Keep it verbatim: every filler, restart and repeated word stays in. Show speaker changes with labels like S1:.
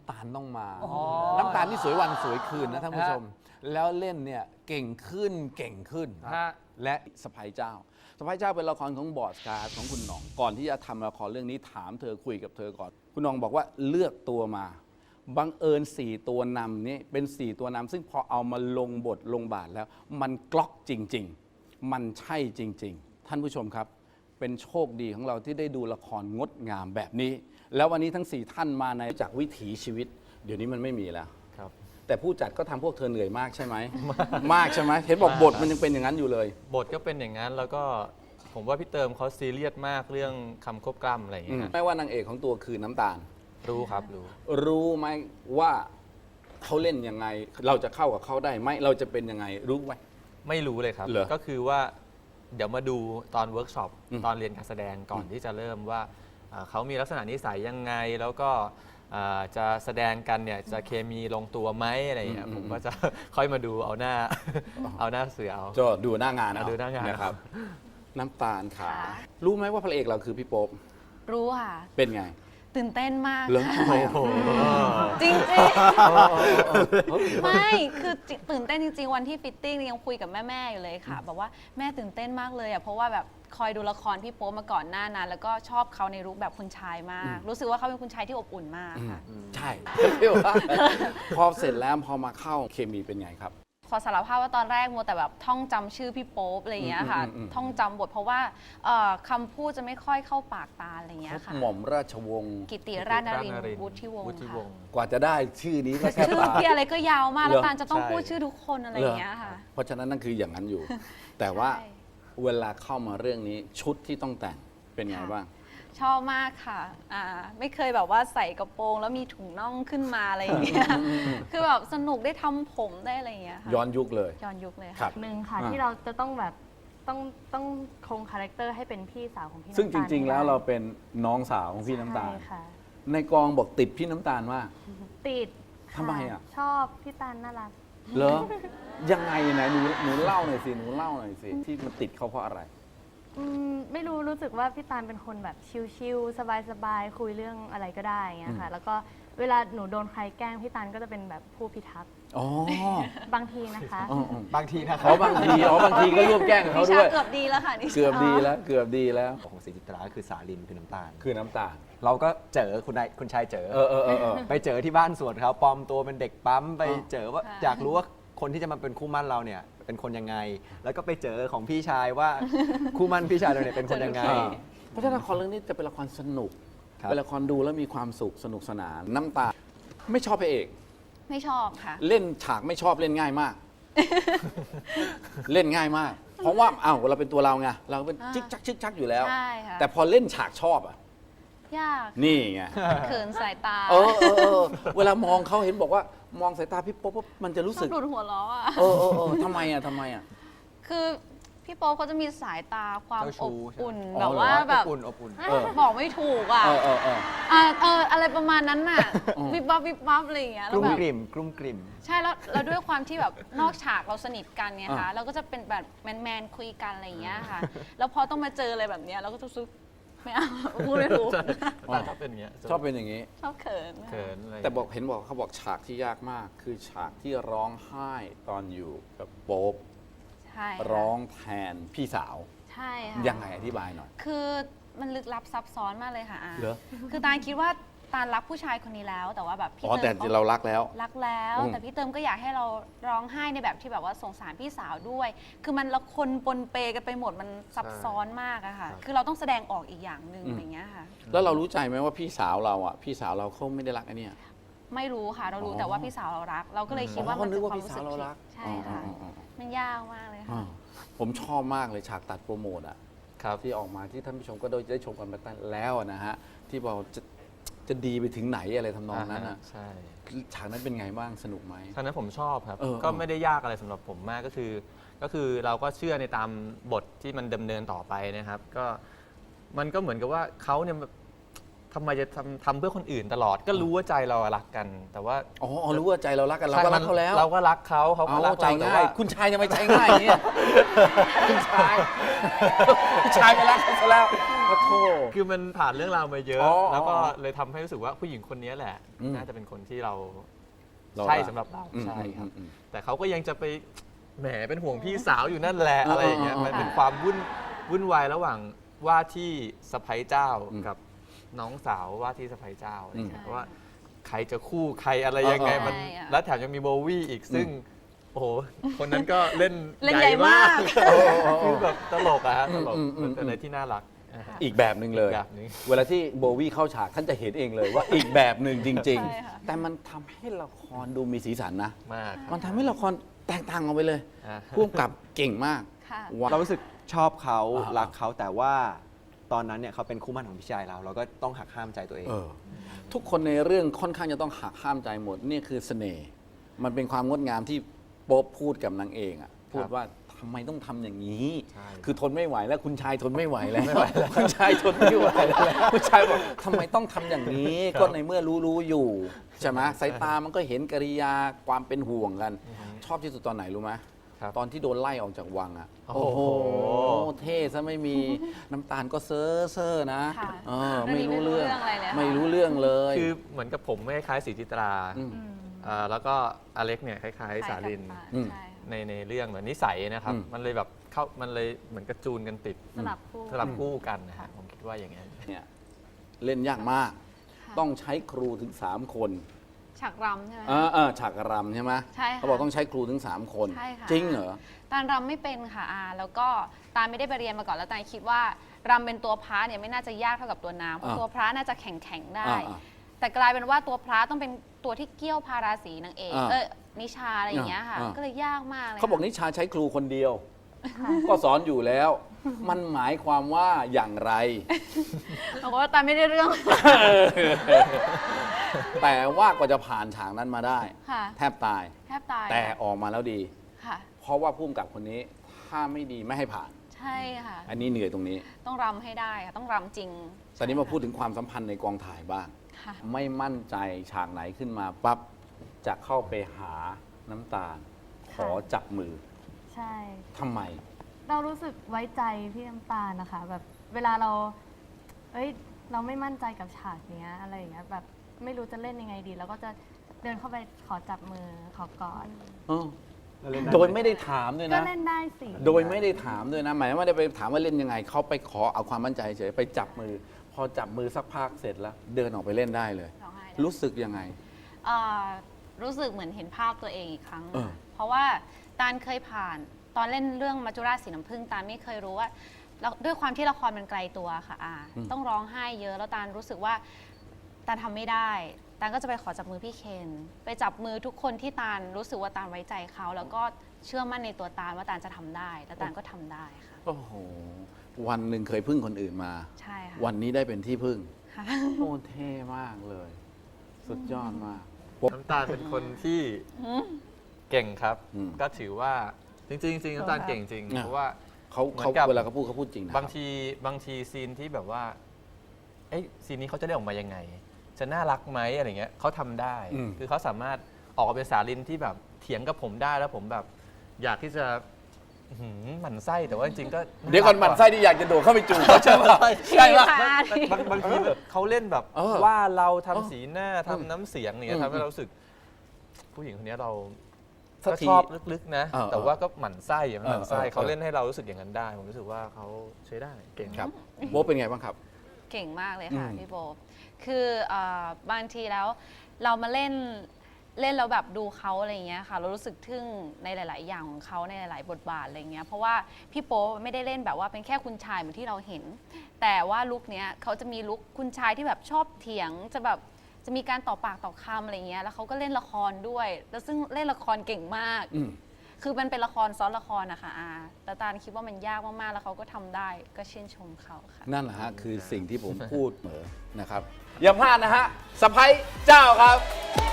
S1: ตาลต้องมา น้ำตาลนี่สวยวันสวยคืนนะท่านผู้ชม แล้วเล่นเนี่ยเก่งขึ้นเก่งขึ้น และสะพ้ายเจ้าสะพ้ายเจ้าเป็นละครของบอสการ์ดของคุณหน่องก่อนที่จะทำละครเรื่องนี้ถามเธอคุยกับเธอก่อน คุณหน่องบอกว่าเลือกตัวมาบังเอิญสี่ตัวนำนี่เป็นสี่ตัวนำซึ่งพอเอามาลงบทลงบาทแล้ว มันกล็อกจริง ๆ มันใช่จริง ๆ ท่านผู้ชมครับ เป็นโชคดีของเราที่ได้ดูละครงดงามแบบนี้ แล้ววันนี้ทั้งสี่ท่านมาในจากวิถีชีวิต เดี๋ยวนี้มันไม่มีแล้วแต่ผู้จัดก็ทำพวกเธอเหนื่อยมากใช่ไหม มากใช่ไหมเห็นบอกบทมันยังเป็นอย่างนั้นอยู่เลย
S2: บทก็เป็นอย่างนั้นแล้วก็ผมว่าพี่เติมเขาซีเรียสมากเรื่องคำควบกล้ำอะไรอย่างเงี้ย
S1: ไม่ว่านางเอกของตัวคือน้ำตาล
S2: รู้ครับรู้
S1: รู้ไหมว่าเขาเล่นยังไง เราจะเข้ากับเขาได้ไหมเราจะเป็นยังไงรู้ไหม
S2: ไม่รู้เลยครับ
S1: เหรอ
S2: ก็คือว่าเดี๋ยวมาดูตอนเวิร์กช็อป
S1: อืม
S2: ตอนเรียนการแสดงก่อนที่จะเริ่มว่าอ่าเขามีลักษณะนิสัยยังไงแล้วก็อ่าจะแสดงกันเนี่ยจะเคมีลงตัวไหมอะไรอย่างเงี้ยผมก็จะ ค่อยมาดูเอาหน้า เอาหน้าเสือเอา
S1: ก็ดูหน้างานเอา
S2: ดูหน้างาน
S1: นะครับ น้ำตาลขา
S3: ค่ะ
S1: รู้ไหมว่าพระเอกเราคือพี่โป๊ป
S3: รู้ค่ะ
S1: เป็นไง
S3: ตื่นเต้นมาก
S1: เหรอทำไมอ่ะ
S3: จริงจริงไม่คือตื่นเต้นจริงๆวันที่ฟิตติ้งยังคุยกับแม่ๆอยู่เลยค่ะบอกว่าแม่ตื่นเต้นมากเลยอ่ะเพราะว่าแบบคอยดูละครพี่โป๊ปมาก่อนหน้านั้นแล้วก็ชอบเขาในรูปแบบคุณชายมาก รู้สึกว่าเขาเป็นคุณชายที่อบอุ่นมากค่ะ
S1: ใช่เรียกว่าพอเสร็จแล้วพอมาเข้าเคมีเป็นไงครับ
S3: ขอสารภาพว่าตอนแรกมัวแต่แบบท่องจำชื่อพี่โป๊ปอะไรอย่างเงี้ยค่ะ
S1: อืมอืมอืม
S3: ท่องจำบทเพราะว่าเอ่อคำพูดจะไม่ค่อยเข้าปากตาอะไรอย่างเงี้ยค่ะ
S1: หม่อมราชวงศ์
S3: กิติราชนรินทร์วุฒิวงศ์
S2: วุฒิว
S3: ค่ะ
S2: งศ์
S1: กว่าจะได้ชื่อนี้ก็แค่
S3: ชื่อ
S1: ตา
S3: พี่อะไรก็ยาวมาก
S1: เหร
S3: แล้
S1: อ
S3: วตาลจะต้อง
S2: ใช่
S3: พูดชื่อทุกคนอะไรอย่างเงี้ยค่ะ
S1: เพราะฉะนั้นนั่นคืออย่างนั้นอยู่ แต่ว่า
S3: ใช่
S1: เวลาเข้ามาเรื่องนี้ชุดที่ต้องแต่งเป็นไงบ้าง
S3: ชอบมากค่ะอ่าไม่เคยแบบว่าใส่กระโปรงแล้วมีถุงน่องขึ้นมาอะไรอย่างเงี้ย คือแบบสนุกได้ทำผมได้อะไรอย่างเงี้ยค่ะ
S1: ย้อนยุคเลย
S3: ย้อนยุคเลย
S1: ครั
S3: ค่ะ
S1: บ
S4: หนึ่งค่ะ
S1: อ่า
S4: ที่เราจะต้องแบบต้องต้องคงคาแรคเตอร์ให้เป็นพี่สาวของพี่น้ำตาล
S1: ซึ่งจริง ๆ แล้ว
S4: ให้ได้
S1: เราเป็นน้องสาวของพี่น้ำตาล
S4: ใช่ค่ะ
S1: ในกองบอกติดพี่น้ำตาลมาก
S4: ติดค่
S1: ทำไมอ่ะ
S4: ชอบพี่ตาลน่ารัก
S1: เหรอ ยังไงไหนหนูหนูเล่าหน่อยสิหนูเล่าหน่อยสิที่มันติดเขาเพราะอะไร
S4: อืมไม่รู้รู้สึกว่าพี่ตาลเป็นคนแบบชิลๆสบายๆคุยเรื่องอะไรก็ได้อย่างเงี้ยค่ะ แล้วก็เวลาหนูโดนใครแกล้งพี่ตาลก็จะเป็นแบบผู้พิทักษ์
S1: อ๋อ
S4: บางทีนะคะ
S1: อ๋ออ๋อบ
S5: างทีนะครั
S1: เขาบางทีอ๋อบางทีก็ร่วมแกล้งกับเขา
S3: นิ
S1: ด้
S3: ชา
S1: วย
S3: เกือบดีแล้วค่ะนิชา
S1: เกือบดีแล้วเกือบดีแล้ว
S5: ของศรีจิตราก็คือสาลินคือน้ำตาล
S1: คือน้ำตาล
S5: เราก็เจอคุณนายคุณชายเจอ
S1: เออเออเออเออ
S5: ไปเจอที่บ้านสวนเขาปลอมตัวเป็นเด็กปั๊มไป
S1: อ๋อ
S5: เจอว่า
S3: ค่ะ
S5: อยากรู้ว่าคนที่จะมาเป็นคู่มั่นเราเนี่ยเป็นคนยังไง แล้วก็ไปเจอของพี่ชายว่า คู่มั่นพี่ชายเราเนี่ยเป็นคนยังไง
S1: อ่าเพราะฉะนั้นละครเรื่องนี้จะเป็นละครสนุก
S5: ครับ
S1: เป็นละครดูแล้วมีความสุขสนุกสนาน น้ำตาลไม่ชอบพระเอก
S3: ไม่ชอบค่ะ
S1: เล่นฉากไม่ชอบเล่นง่ายมาก เล่นง่ายมาก เพราะว่าอ้าวเราเป็นตัวเราไงเราเป็น
S3: อ่า
S1: จิกจักจิกจักอยู่แล้ว
S3: ใช่ค่ะ
S1: แต่พอเล่นฉากชอบอ่ะ
S3: ยาก
S1: นี่ไง
S3: เขินสายตา
S1: เออเออเออเวลามองเขาเห็นบอกว่ามองสายตาพี่โป๊ปปุ๊บมันจะรู้
S3: ช
S1: สึ
S3: อก บหลุดหัวล้ออ่ะ
S1: เออเออเออทำไมอ่ะทำไมอ่ะ
S3: คือพี่โป๊ปเขาจะมีสายตาความ
S5: เจ้าชู้
S3: อบอุ่น
S1: ใช่ไหม
S3: แบบว่า
S1: อ๋อเหรอ
S3: แบบ
S5: อบอุ่นอบอุ่น
S1: เออ
S3: บอกไม่ถูกอ่ะ
S1: เออเออเออ
S3: อ่าเอออะไรประมาณนั้นน่ะ
S1: อืม
S3: วิบวับวิบวับอะไรอย่างเงี้ย
S5: ก
S3: แล้ว
S5: ลุ่ม
S3: แบบ
S5: กลิ่มกลุ่มกลิ่ม
S3: ใช่แล้วแล้วด้วยความที่แบบนอกฉากเราสนิทกันไง
S1: อ่า
S3: คะเราก็จะเป็นแบบแมนแมนๆคุยกันอะไรอย่างเงี้ยค่ะ แล้วพอต้องมาเจออะไรแบบเนี้ยเราก็จะรู้สึกไม่เอาพูดไม่ถูก
S2: แต่ชอบเป็นอย่างเงี้ย
S1: ชอบเป็นอย่างนี้
S3: ชอบเขิน
S2: เขินอะไร
S1: แต่บอกเห็นบอกเขาบอกฉากที่ยากมาก คือฉากที่ร้องไห้ตอนอยู่กับโป๊ป
S3: ใช่ค่ะ
S1: ร้องแทนพี่สาว
S3: ใช่ค่ะ
S1: ยังไงอธิบายหน่อย
S3: คือมันลึกลับซับซ้อนมากเลยค่ะอา
S1: เหรอ
S3: คือตาลคิดว่าตาลรักผู้ชายคนนี้แล้ว แต่ว่าแบบพี่
S1: อ๋อ
S3: เติ
S1: แต่
S3: มเขา
S1: เรารักแล้ว
S3: รักแล้ว
S1: อืม
S3: แต่พี่เติมก็อยากให้เราร้องไห้ในแบบที่แบบว่าสงสารพี่สาวด้วย คือมันละคนปนเปกันไปหมดมันซับซ้อนมากอะค่ะ คือเราต้องแสดงออกอีกอย่างหนึ่งอย่างเงี้ยค่ะ
S1: แล้วเรารู้ใจไหมว่าพี่สาวเราอ่ะพี่สาวเราเขาไม่ได้รักไอ้เนี่ย
S3: ไม่รู้ค่ะ เรารู้
S1: อ๋อ
S3: แต่ว่าพี่สาวเรารัก เราก็เลยคิดว่า
S1: อ๋อ
S3: มัน
S1: นึ
S3: เป็
S1: ก
S3: น
S1: ว่า
S3: ความ
S1: พี่
S3: รู้
S1: สา
S3: สึ
S1: ว
S3: ก
S1: เรา
S3: ผิด
S1: รัก
S3: ใช่ค่ะ
S1: อ๋ออ๋ออ๋อ
S3: มันยากมากเลยค่ะ
S1: อ่าผมชอบมากเลยฉากตัดโปรโมทอ่ะ
S2: ครับ
S1: ที่ออกมาที่ท่านผู้ชมก็ได้ชมกันไปตั้งแล้วนะฮะที่บอกจะจะดีไปถึงไหนอะไรทำนองนั้นอ่ะ
S2: ใช่
S1: ฉากนั้นเป็นไงบ้างสนุกไหม
S2: ฉะนั้นผมชอบครับ
S1: เออ
S2: ก็ไม่ได้ยากอะไรสำหรับผมมากก็คือ ก็คือเราก็เชื่อในตามบทที่มันดำเนินต่อไปนะครับ ก็มันก็เหมือนกับว่าเขาเนี่ยแบบทำไมจะทำทำเพื่อคนอื่นตลอด ก็รู้ว่าใจเรารักกัน แต่ว่า
S1: อ๋ออ๋อรู้ว่าใจเรารักกันเราก็รักเขาแล้ว
S2: เราก็รักเขาเขาก็
S1: เอา
S2: รัก
S1: ใจ
S2: เราแต่
S1: ง่าย
S2: ว่า
S1: คุณชายจะไม่ใจง่ายอย่างเนี่ยคุณชายคุณชายไปรักเขาซะแล้วโอ้โถ
S2: คือมันผ่านเรื่องราวมาเยอะ
S1: อ๋อ
S2: แล้วก็เลยทำให้รู้สึกว่าผู้หญิงคนนี้แหละ
S1: อืม
S2: น่าจะเป็นคนที่เรา
S1: เรา
S2: ใช่
S1: รัก
S2: สำหรับเรา
S1: อืม
S2: ใช่ครับ
S1: อืมอืม
S2: แต่เขาก็ยังจะไปแหมเป็นห่วงพี่สาวอยู่นั่นแหละอะไรอย่างเงี้ย
S1: อ๋อ
S2: มันเป็นความวุ่นวุ่นวายระหว่างว่าที่สะใภ้เจ้า
S1: อืม
S2: กับน้องสาวว่าที่สะใภ้เจ้าอะไรอย่างเงี้ย
S3: อืม
S2: เพราะว่าใครจะคู่ใครอะไรยังไง
S1: อ๋อ
S2: มัน
S3: ใช่อะ
S2: แล้วแถมยังมีโบวี่อีกซึ่งโอ้โหคนนั้นก็เล่น
S3: เล่นใหญ่มาก
S2: คือแบบตลกอะฮะตลก
S1: อืมอืม
S2: มันเป็นอะไรที่น่ารักนะฮะ
S1: อีกแบบหนึ่งเลย
S2: อีกแบบหนึ่ง
S1: เวลาที่โบวี่เข้าฉากท่านจะเห็นเองเลยว่าอีกแบบหนึ่งจริง
S3: ใช่ค่ะ
S1: ๆ แต่มันทำให้ละครดูมีสีสันนะ
S2: มาก
S1: มันทำให้ละครแตกต่างออกไปเลย
S2: อ่า
S1: พ่วงกับเก่งมาก
S3: ค่ะ
S1: ว้าว
S5: เรารู้สึกชอบเขา
S1: อ่า
S5: รักเขาแต่ว่าตอนนั้นเนี่ยเขาเป็นคู่หมั่นของพี่ชายเรา เราก็ต้องหักห้ามใจตัวเอง
S1: เออทุกคนในเรื่องค่อนข้างจะต้องหักห้ามใจหมดนี่คือเสน่ห์มันเป็นความงดงามที่โป๊ปพูดกับนางเอกอะพูดว่าทำไมต้องทำอย่างนี้
S2: ใช่
S1: คือทนไม่ไหวแล้วคุณชายทนไม่ไหวแล้วคุณชายทนไม่ไหวแล้วคุณชายบอกทำไมต้องทำอย่างนี้ ก็ในเมื่อรู้รู้อยู่ใช่ไหมสายตามันก็เห็นกริยาความเป็นห่วงกัน ชอบที่สุดตอนไหนรู้ไหม
S2: ครับ
S1: ตอนที่โดนไล่ออกจากวังอะ
S2: โอ้โห
S1: เท่ซะไม่มีน้ำตาลก็เซ่อเซ่อนะ
S3: ค่ะ
S1: เออไม่รู้เรื่อง
S3: ไม่รู้เรื่องอะไรเลยค่ะ
S1: ไม่รู้เรื่องเลย
S2: คือเหมือนกับผมไม่คล้ายสีจิตรา
S1: อืม
S2: อ่าแล้วก็อเล็กเนี่ยคล้ายๆสาลิน
S1: อืม
S3: ใช่ค่ะ
S2: ในในเรื่องเหมือนนิสัยนะครับ
S1: อืม
S2: มันเลยแบบเข้ามันเลยเหมือนกระจูนกันติด
S4: สลับคู่
S2: สลับคู่กันนะฮะผมคิดว่าอย่างนั้น
S1: เนี่ยเล่นยากมาก
S3: ค่ะ
S1: ต้องใช้ครูถึง 3 คน
S3: ฉากรำใช่ไหม
S1: เออเออฉากรำใช่ไหม
S3: ใช่ค่ะ
S1: เขาบอกต้องใช้ครูถึง 3 คน
S3: ใช่ค่ะ
S1: จริงเหรอ
S3: ตาลรำไม่เป็นค่ะอาแล้วก็ตาลไม่ได้ไปเรียนมาก่อนแล้วตาลคิดว่ารำเป็นตัวพระเนี่ยไม่น่าจะยากเท่ากับตัวน้ำเพราะ
S1: อ่า
S3: ตัวพระน่าจะแข็งแข็งๆได้
S1: อ่าอ่า
S3: แต่กลายเป็นว่าตัวพระต้องเป็นตัวที่เกี้ยวพาราศีนางเอก
S1: อ่า
S3: เออนิชาอะไรอย่างเงี้ยค่ะ
S1: อ่า
S3: ก็เลยยากมากเลย
S1: เขาบอก
S3: ค่ะ
S1: นิชาใช้ครูคนเดียว ก็สอนอยู่แล้ว มันหมายความว่าอย่างไร
S3: บอกว่าตาลไม่ได้เรื่อง
S1: แต่ว่ากว่าจะผ่านฉากนั้นมาได้
S3: ค่ะ
S1: แทบตาย
S3: แทบตาย
S1: แต่ออกมาแล้วดี
S3: ค่ะ
S1: เพราะว่าพุ่มกับคนนี้ถ้าไม่ดีไม่ให้ผ่าน
S3: ใช่ค่ะ
S1: อันนี้เหนื่อยตรงนี้
S3: ต้องรำให้ได้ค่ะต้องรำจริง
S1: ตอนนี้มาพูดถึงความสัมพันธ์ในกองถ่ายบ้าง
S3: ค่ะ
S1: ไม่มั่นใจฉากไหนขึ้นมาปั๊บจะเข้าไปหาน้ำตาล ขอจับมือ
S4: ใช่
S1: ทำไม
S4: เรารู้สึกไว้ใจพี่น้ำตาลนะคะ แบบเวลาเรา เอ้ย เราไม่มั่นใจกับฉากเนี้ยอะไรอย่างเงี้ยแบบไม่รู้จะเล่นยังไงดี แล้วก็จะเดินเข้าไปขอจับมือขอกอด
S1: เออ
S5: แล้วเล่นได้
S1: โดยไม่ได้ถามด้วย
S4: ก็
S1: นะ
S4: เล่นได้สิ
S1: โดยไม่ได้ถามด้วยนะหมายว่าไม่ได้ไปถามว่าเล่นยังไง เขาไปขอเอาความมั่นใจเฉยไปจับมือ พอจับมือสักพักเสร็จแล้ว เดินออกไปเล่นได้เลย
S3: ร้องไห้ได้
S1: รู้สึกยังไง
S3: เอ่อรู้สึกเหมือนเห็นภาพตัวเองอีกครั้ง
S1: เออ
S3: เพราะว่าตาลเคยผ่านตอนเล่นเรื่องมัจจุราชสีน้ำผึ้งตาลไม่เคยรู้ว่าแล้วด้วยความที่ละครมันไกลตัวค่ะอาต้องร้องไห้เยอะแล้วตาลรู้สึกว่าตาลทำไม่ได้ตาลก็จะไปขอจับมือพี่เคนไปจับมือทุกคนที่ตาลรู้สึกว่าตาลไว้ใจเขาแล้วก็เชื่อมั่นในตัวตาลว่าตาลจะทำได้ แล้วตาลก็ทำได้ค่ะ
S1: โอ้โห วันหนึ่งเคยพึ่งคนอื่นมา
S3: ใช่ค่ะ
S1: วันนี้ได้เป็นที่พึ่ง
S3: ค่ะ
S1: โอ้เท่มากเลย สุดยอดมาก
S2: น้ำตาลเป็นคนที่เก่งครับ
S1: อืม
S2: ก็ถือว่าจริงๆจริงๆน้ำตาลเก่งจริง
S1: อ่ะ
S2: เพราะว่า
S1: เขา
S2: เหมือน
S1: เขา
S2: กับ
S1: เวลาเขาพูดเขาพูดจริงนะ
S2: บางทีบางทีซีนที่แบบว่าเอ้ยซีนนี้เขาจะได้ออกมายังไง จะน่ารักไหมอะไรเงี้ยเขาทำได้
S1: อืม
S2: คือเขาสามารถออกมาเป็นสาลินที่แบบเถียงกับผมได้แล้วผมแบบ อยากที่จะอื้อหือหมั่นไส้แต่ว่าจริงๆก็า
S1: เดี๋ยวก่อนหมันไส้ที่อยากจะโดดเข้าไปจูบเขาใช่ไหมใช่ปะ
S3: ค่ะ
S2: บางบางทีแบบเขาเล่นแบบ
S1: เออ
S2: ว่าเราทำ
S1: เออ
S2: สีหน้าทำน้ำเสียงเนี่ย
S1: อืม
S2: ทำให้เรารู้สึก ผู้หญิงคนนี้เรา
S1: สัก
S2: ก็
S1: ที
S2: ชอบลึกๆนะ
S1: เออ
S2: แต่ว่าก็หมั่นไส้อะหมั่นไส้
S1: เออเออ
S2: เขาเล่นให้เรารู้สึกอย่างนั้นได้ ผมรู้สึกว่าเขาใช้ได้เก่ง
S1: ครับโบ๊ทเป็นไงบ้างครับ
S3: เก่งมากเลยค่ะ
S1: อืม
S3: พี่โบ คือเอ่อบางทีแล้วเรามาเล่นเล่นแล้วแบบดูเขาอะไรอย่างเงี้ยค่ะ เรารู้สึกทึ่งในหลาย ๆ อย่างของเขาในหลาย ๆ บทบาทอะไรเงี้ย เพราะว่าพี่โป๊ไม่ได้เล่นแบบว่าเป็นแค่คุณชายเหมือนที่เราเห็น แต่ว่าลุคเนี้ยเขาจะมีลุคคุณชายที่แบบชอบเถียง จะแบบจะมีการต่อปากต่อคำอะไรเงี้ย แล้วเขาก็เล่นละครด้วย แล้วซึ่งเล่นละครเก่งมาก
S1: อืม
S3: คือมันเป็นละครซ้อนละครนะคะอาแต่ตาลคิดว่ามันยากมาก ๆ แล้วเขาก็ทำได้ ก็ชื่นชมเขาค่ะ
S1: นั่นแหละฮะ คือสิ่งที่ผมพูดเหมือนะครับ อย่าพลาดนะฮะสะพ้ยเจ้าครับ